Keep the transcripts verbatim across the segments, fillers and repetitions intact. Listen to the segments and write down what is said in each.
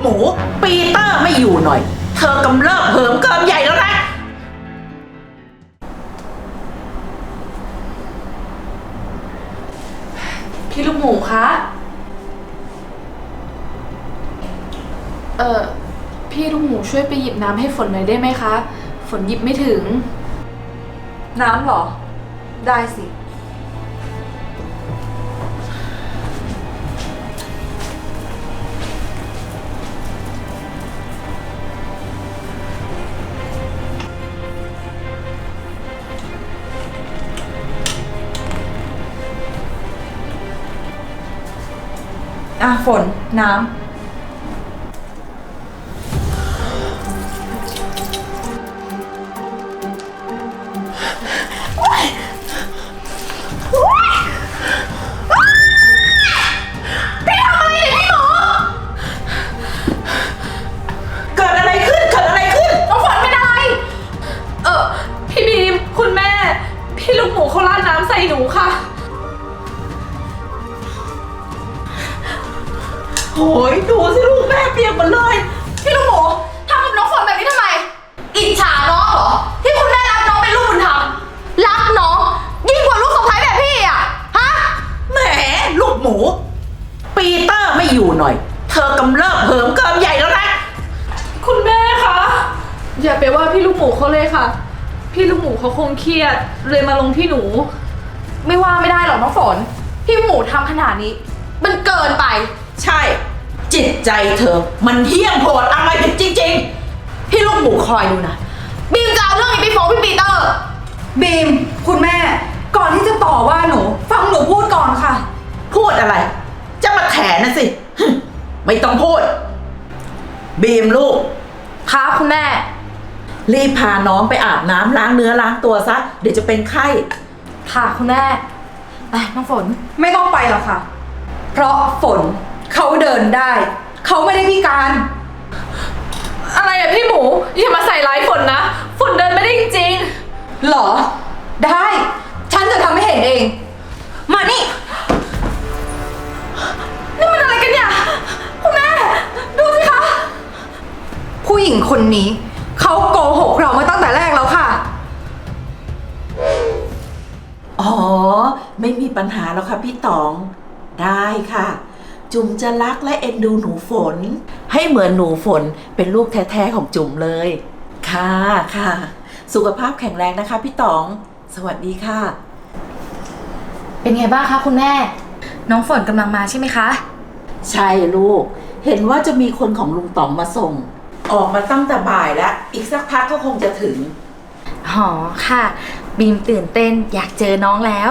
มูปีเตอร์ไม่อยู่หน่อยเธอกำเริบเหิมเกิมใหญ่แล้วนะพี่ลูกหมูคะเออพี่ลูกหมูช่วยไปหยิบน้ำให้ฝนหน่อยได้ไหมคะฝนหยิบไม่ถึงน้ำเหรอได้สิอ่ะฝนน้ำเกิดอะไรขึ้นเกิดอะไรขึ้นน้องฝนเป็นอะไรเออพี่บีมคุณแม่พี่ลูกหมูเขาราดน้ำใส่หนูค่ะโอ้ยดูสิลูกแม่เปียกหมดเลยพี่ลูกหมูทำกับน้องฝนแบบนี้ทำไมอิจฉาน้องเหรอที่คุณแม่รักน้องเป็นลูกบุญธรรมรักน้องยิ่งกว่าลูกสะใภ้แบบพี่อะฮะแหมลูกหมูปีเตอร์ไม่อยู่หน่อยเธอกำเริบเหิมเกิมใหญ่แล้วนะคุณแม่คะอย่าไปว่าพี่ลูกหมูเขาเลยค่ะพี่ลูกหมูเขาคงเครียดเลยมาลงที่หนูไม่ว่าไม่ได้หรอกน้องฝนพี่หมูทำขนาดนี้มันเกินไปใช่จิตใจเธอมันเหี้ยมโหดอะไรกันจริงๆพี่ลูกหมูคอยดูนะบีมจะเอาเรื่องนี้ไปฟ้องพี่ปีเตอร์บีมคุณแม่ก่อนที่จะต่อว่าหนูฟังหนูพูดก่อนค่ะพูดอะไรจะมาแถนะสิไม่ต้องพูดบีมลูกค่ะคุณแม่รีบพาน้องไปอาบน้ำล้างเนื้อล้างตัวซะเดี๋ยวจะเป็นไข้ค่ะคุณแม่ไปน้องฝนไม่ต้องไปหรอกค่ะเพราะฝนเขาเดินได้เขาไม่ได้พิการอะไรอะพี่หมูอย่ามาใส่ร้ายฝนนะฝนเดินไม่ได้จริงๆหรอได้ฉันจะทำให้เห็นเองมานี่นี่มันอะไรกันเนี่ยคุณแม่ดูสิคะผู้หญิงคนนี้เขาโกหกเรามาตั้งแต่แรกแล้วค่ะอ๋อไม่มีปัญหาแล้วค่ะพี่ต๋องได้ค่ะจุ๋มจะรักและเอ็นดูหนูฝนให้เหมือนหนูฝนเป็นลูกแท้ๆของจุ๋มเลยค่ะค่ะสุขภาพแข็งแรงนะคะพี่ต๋องสวัสดีค่ะเป็นไงบ้างคะคุณแม่น้องฝนกำลังมาใช่ไหมคะใช่ลูกเห็นว่าจะมีคนของลุงต๋องมาส่งออกมาตั้งแต่บ่ายแล้วอีกสักพักก็คงจะถึงอ๋อค่ะบีมตื่นเต้นอยากเจอน้องแล้ว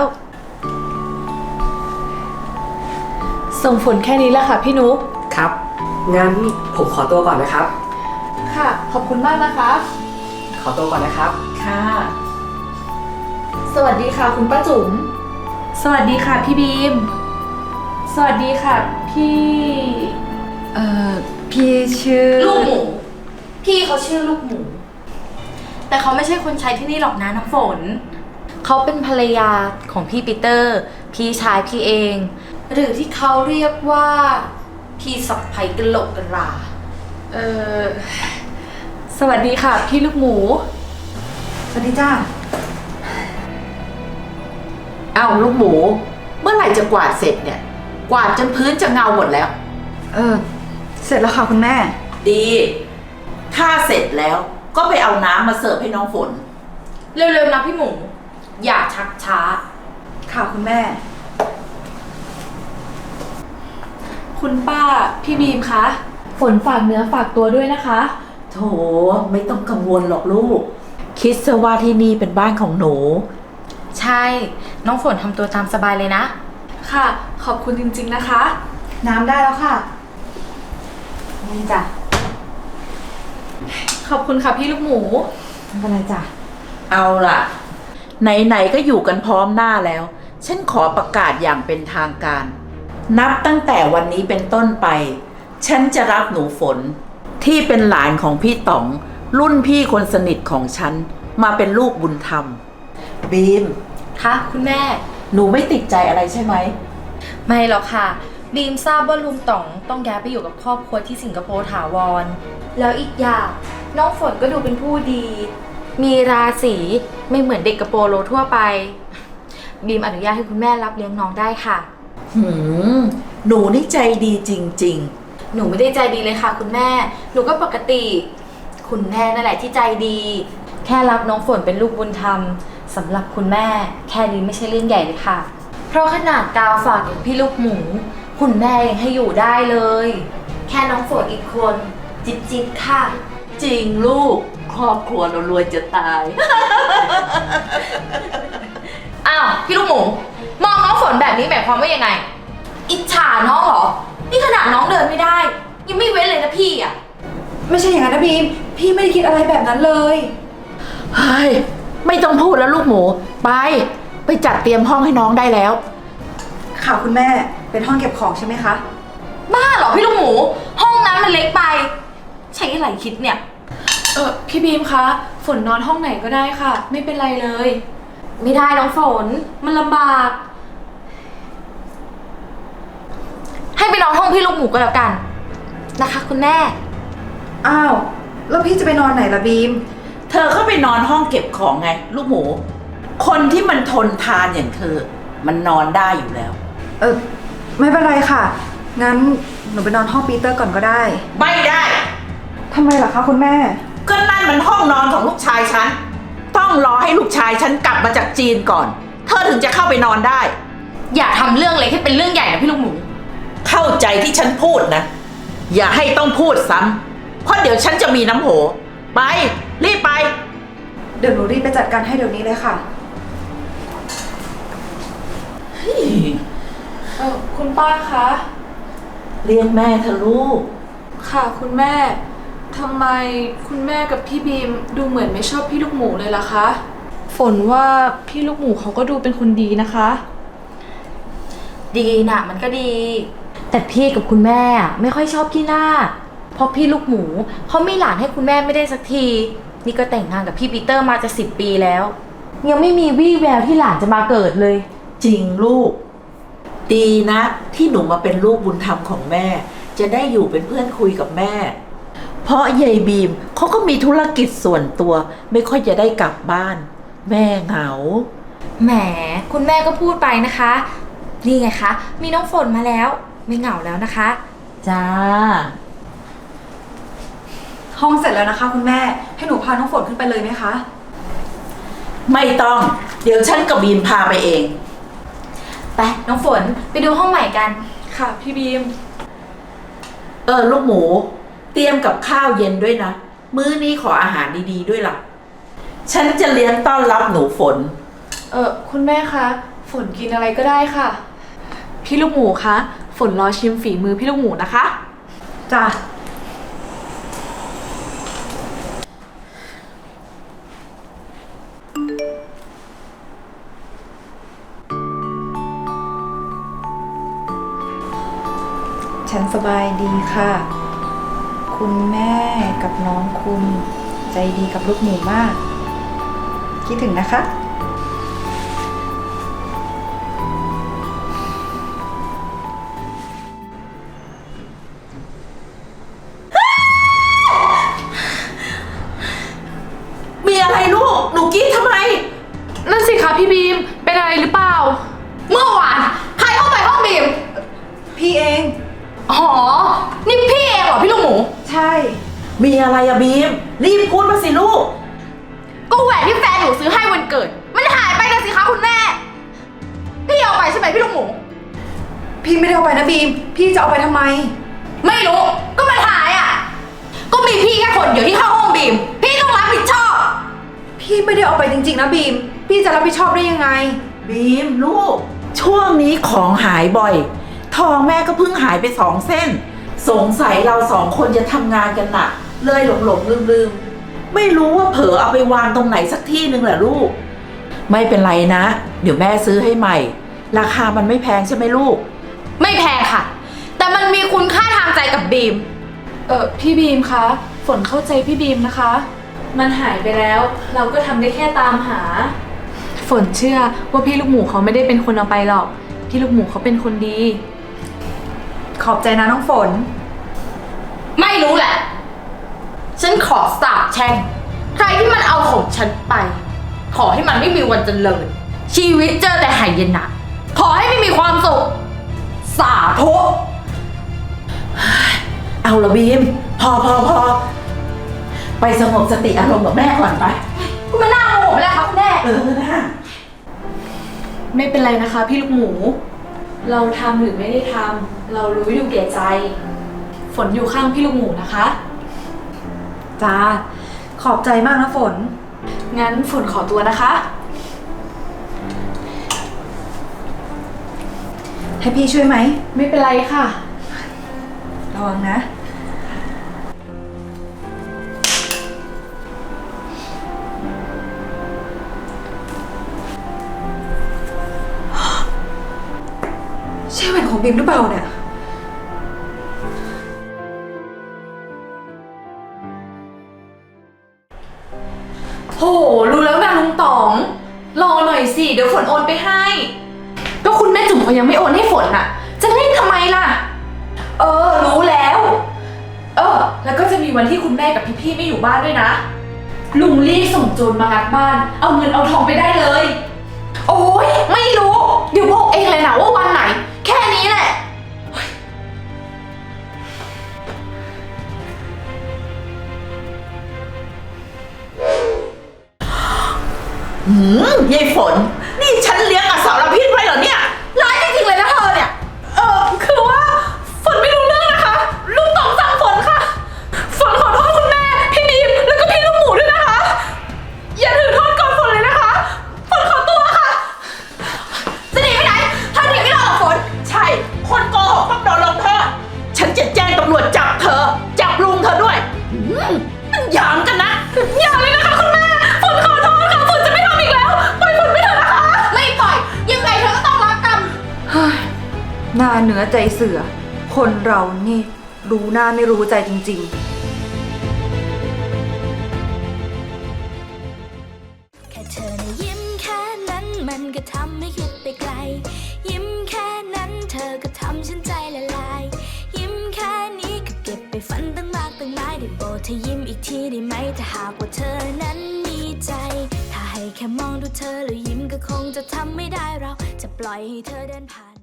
ส่งฝนแค่นี้แหละค่ะพี่นุ๊กครับงั้นผมขอตัวก่อนนะครับค่ะขอบคุณมากนะคะขอตัวก่อนนะครับค่ะสวัสดีค่ะคุณป้าจุ๋มสวัสดีค่ะพี่บีมสวัสดีค่ะพี่เอ่อพี่ชื่อลูกหมูพี่เขาชื่อลูกหมูแต่เขาไม่ใช่คนใช้ที่นี่หรอกนะน้ำฝนเขาเป็นภรรยาของพี่ปีเตอร์พี่ชายพี่เองหรือที่เขาเรียกว่าพี่สะใภ้กะโหลกกะลาเออสวัสดีค่ะพี่ลูกหมูสวัสดีจ้าอ้าวลูกหมูเมื่อไหร่จะกวาดเสร็จเนี่ยกวาดจนพื้นจะเงาหมดแล้วเออเสร็จแล้วค่ะคุณแม่ดีถ้าเสร็จแล้วก็ไปเอาน้ำมาเสิร์ฟให้น้องฝนเร็วๆนะพี่หมูอย่าชักช้าค่ะคุณแม่คุณป้าพี่บีมคะฝนฝากเนื้อฝากตัวด้วยนะคะโถไม่ต้องกังวลหรอกลูกคิดซะว่าที่นี่เป็นบ้านของหนูใช่น้องฝนทำตัวตามสบายเลยนะค่ะขอบคุณจริงๆนะคะน้ำได้แล้วค่ะนี่จ้ะขอบคุณค่ะพี่ลูกหมูไม่เป็นไรจ้ะเอาล่ะไหนๆก็อยู่กันพร้อมหน้าแล้วฉันขอประกาศอย่างเป็นทางการนับตั้งแต่วันนี้เป็นต้นไปฉันจะรับหนูฝนที่เป็นหลานของพี่ต๋องรุ่นพี่คนสนิทของฉันมาเป็นลูกบุญธรรมบีมคะคุณแม่หนูไม่ติดใจอะไรใช่ไหมไม่หรอกค่ะบีมทราบว่าลุงต๋องต้องย้ายไปอยู่กับครอบครัวที่สิงคโปร์ถาวร แล้วอีกอย่างน้องฝนก็ดูเป็นผู้ดี มีราศีไม่เหมือนเด็กกระโปโลทั่วไป บีมอนุญาตให้คุณแม่รับเลี้ยงน้องได้ค่ะหืม หนูนี่ใจดีจริงหนูไม่ได้ใจดีเลยค่ะคุณแม่ หนูก็ปกติ คุณแม่นั่นแหละที่ใจดี แค่รับน้องฝนเป็นลูกบุญธรรมสำหรับคุณแม่ แค่นี้ไม่ใช่เรื่องใหญ่เลยค่ะ เพราะขนาดกาวฝากอย่างพี่ลูกหมู คุณแม่ยังให้อยู่ได้เลย แค่น้องฝนอีกคน จิบจิบค่ะๆ จริงลูก ครอบครัวเรารวยจะตายอ้าวพี่ลูกหมู มองน้องฝนแบบนี้หมายความว่ายังไง อิจฉาน้องเหรอ นี่ขนาดน้องเดินไม่ได้ ยังไม่เว้นเลยนะพี่อ่ะไม่ใช่อย่างนั้นนะบีม พี่ไม่ได้คิดอะไรแบบนั้นเลยเฮ้ย ไม่ต้องพูดแล้วลูกหมู ไป ไปจัดเตรียมห้องให้น้องได้แล้วค่ะคุณแม่ เป็นห้องเก็บของใช่ไหมคะบ้าเหรอพี่ลูกหมู ห้องนั้นมันเล็กไป ใช้อะไรคิดเนี่ยเออพี่บีมคะ ฝนนอนห้องไหนก็ได้ค่ะ ไม่เป็นไรเลยไม่ได้น้องฝน มันลำบาก ให้ไปนอนห้องพี่ลูกหมูก็แล้วกัน นะคะคุณแม่อ้าว แล้วพี่จะไปนอนไหนล่ะบีมเธอเข้าไปนอนห้องเก็บของไง ลูกหมู คนที่มันทนทานอย่างเธอ มันนอนได้อยู่แล้วเออไม่เป็นไรค่ะ งั้นหนูไปนอนห้องปีเตอร์ก่อนก็ได้ไม่ได้ทำไมล่ะคะคุณแม่ก็นั่นมันห้องนอนของลูกชายฉัน ต้องรอให้ลูกชายฉันกลับมาจากจีนก่อน เธอถึงจะเข้าไปนอนได้อย่าทำเรื่องเล็กให้เป็นเรื่องใหญ่นะพี่ลูกหมูเข้าใจที่ฉันพูดนะ อย่าให้ต้องพูดซ้ำเพราะเดี๋ยวฉันจะมีน้ำโห ไป รีบไปเดี๋ยวหนูรีบไปจัดการให้เดี๋ยวนี้เลยค่ะเออคุณป้าคะเรียกแม่เธอะลูกค่ะคุณแม่ ทำไมคุณแม่กับพี่บีมดูเหมือนไม่ชอบพี่ลูกหมูเลยล่ะคะ ฝนว่าพี่ลูกหมูเขาก็ดูเป็นคนดีนะคะดีนะมันก็ดี แต่พี่กับคุณแม่อะไม่ค่อยชอบพี่หน้า เพราะพี่ลูกหมูเขามีหลานให้คุณแม่ไม่ได้สักที นี่ก็แต่งงานกับพี่ปีเตอร์มาจะสิบปีแล้ว ยังไม่มีวี่แววที่หลานจะมาเกิดเลยจริงลูก ดีนะ ที่หนูมาเป็นลูกบุญธรรมของแม่ จะได้อยู่เป็นเพื่อนคุยกับแม่ เพราะยายบีมเขาก็มีธุรกิจส่วนตัว ไม่ค่อยจะได้กลับบ้าน แม่เหงาแหมคุณแม่ก็พูดไปนะคะ นี่ไงคะ มีน้องฝนมาแล้ว ไม่เหงาแล้วนะคะจ้าห้องเสร็จแล้วนะคะ คุณแม่ ให้หนูพาน้องฝนขึ้นไปเลยไหมคะไม่ต้อง เดี๋ยวฉันกับบีมพาไปเองไปน้องฝนไปดูห้องใหม่กันค่ะพี่บีมเออลูกหมู เตรียมกับข้าวเย็นด้วยนะ มื้อนี้ขออาหารดีๆด้วยล่ะ ฉันจะเลี้ยงต้อนรับหนูฝนเออคุณแม่คะ ฝนกินอะไรก็ได้ค่ะ พี่ลูกหมูคะ ฝนรอชิมฝีมือพี่ลูกหมูนะคะจ้ะ ฉันสบายดีค่ะ คุณแม่กับน้องคุณใจดีกับลูกหมูมาก คิดถึงนะคะมีอะไรลูก หนูกรีดทำไมนั่นสิคะพี่บีม เป็นอะไรหรือเปล่าเมื่อวานใครเข้าไปห้องบีมพี่เองอ๋อ นี่พี่เองเหรอพี่ลูกหมูใช่มีอะไรอะบีม รีบพูดมาสิลูกก็แหวนที่แฟนหนูซื้อให้วันเกิด มันหายไปนะสิคะคุณแม่ พี่เอาไปใช่ไหมพี่ลูกหมูพี่ไม่ได้เอาไปนะบีม พี่จะเอาไปทำไมไม่รู้ ก็มันหายอ่ะ ก็มีพี่แค่คนเดียวที่เข้าห้องบีม พี่ต้องรับผิดชอบพี่ไม่ได้เอาไปจริงๆนะบีม พี่จะรับผิดชอบได้ยังไงบีมลูก ช่วงนี้ของหายบ่อย ทองแม่ก็เพิ่งหายไปสองเส้น สงสัยเราสองคนจะทำงานกันหนักเลยหลงหลงลืมลืมๆไม่รู้ว่าเผลอเอาไปวางตรงไหนสักที่หนึ่งแหละลูก ไม่เป็นไรนะ เดี๋ยวแม่ซื้อให้ใหม่ ราคามันไม่แพงใช่ไหมลูกไม่แพงค่ะ แต่มันมีคุณค่าทางใจกับบีมเออพี่บีมคะ ฝนเข้าใจพี่บีมนะคะ มันหายไปแล้ว เราก็ทำได้แค่ตามหา ฝนเชื่อว่าพี่ลูกหมูเขาไม่ได้เป็นคนเอาไปหรอก พี่ลูกหมูเขาเป็นคนดีขอบใจนะน้องฝนไม่รู้แหละ ฉันขอสาบแช่งใครที่มันเอาของฉันไป ขอให้มันไม่มีวันเจริญ ชีวิตเจอแต่หายนะ ขอให้ไม่มีความสุข สาธุเอาละบีม พอพอพอไปสงบสติอารมณ์กับแม่ก่อนไปคุณมาหน้าโมโหไปแล้วครับคุณแม่เออนะไม่เป็นไรนะคะ พี่ลูกหมู เราทำหรือไม่ได้ทำเรารู้อยู่แก่ใจ ฝนอยู่ข้างพี่ลูกหมูนะคะจ้า ขอบใจมากนะฝนงั้นฝนขอตัวนะคะให้พี่ช่วยไหมไม่เป็นไรค่ะระวังนะ ใช่แหวนของบิมหรือเปล่าเนี่ยโห รู้แล้วนะลุงต๋อง รอหน่อยสิ เดี๋ยวฝนโอนไปให้ ก็คุณแม่จุ๋มเขายังไม่โอนให้ฝนน่ะ จะเร่งทำไมล่ะ เออ รู้แล้ว เออ แล้วก็จะมีวันที่คุณแม่กับพี่ๆไม่อยู่บ้านด้วยนะ ลุงรีบส่งโจรมางัดบ้าน เอาเงินเอาทองไปได้เลย โอ้ยไม่รู้ เดี๋ยวบอกเองเลยนะว่าวันไหน แค่นี้แหละหืมยายฝน นี่ฉันเลี้ยงอสรพิษไว้เหรอเนี่ยร้ายจริงๆเลยนะเธอเนี่ยเออคือว่าฝนไม่รู้เรื่องนะคะ ลุงต๋องสั่งฝนค่ะ ฝนขอโทษคุณแม่ พี่บีมแล้วก็พี่ลูกหมูด้วยนะคะ อย่าถือโทษก่อนฝนเลยนะคะ ฝนขอตัวค่ะจะหนีไปไหนถ้าหนีไม่รอดหรอกฝนใช่ คนโกหกต้องโดนลงโทษ ฉันจะแจ้งตำรวจจับเธอ จับลุงเธอด้วยหืมมันหยามกันนะอย่าเลยนะคะคุณแม่ ฝนขอโทษค่ะ ฝนจะไม่ทำอีกแล้ว ปล่อยฝนไม่เถอะนะคะไม่ปล่อย ยังไงเธอก็ต้องรับกรรมหน้าเนื้อใจเสือ คนเรานี่รู้หน้าไม่รู้ใจจริงๆแค่เธอนะยิ้มแค่นั้นมันก็ทำให้คิดไปไกล ยิ้มแค่นั้นเธอก็ทำฉันใจละลาย ยิ้มแค่นี้ก็เก็บไปฝันตั้งมากตั้งหลายได้โปรดเธอยิ้มอีกทีได้ไหมถ้าหากว่าเธอนั้นมีใจ ถ้าให้แค่มองดูเธอแล้วยิ้มก็คงจะทำไม่ได้เราจะปล่อยให้เธอเดินผ่าน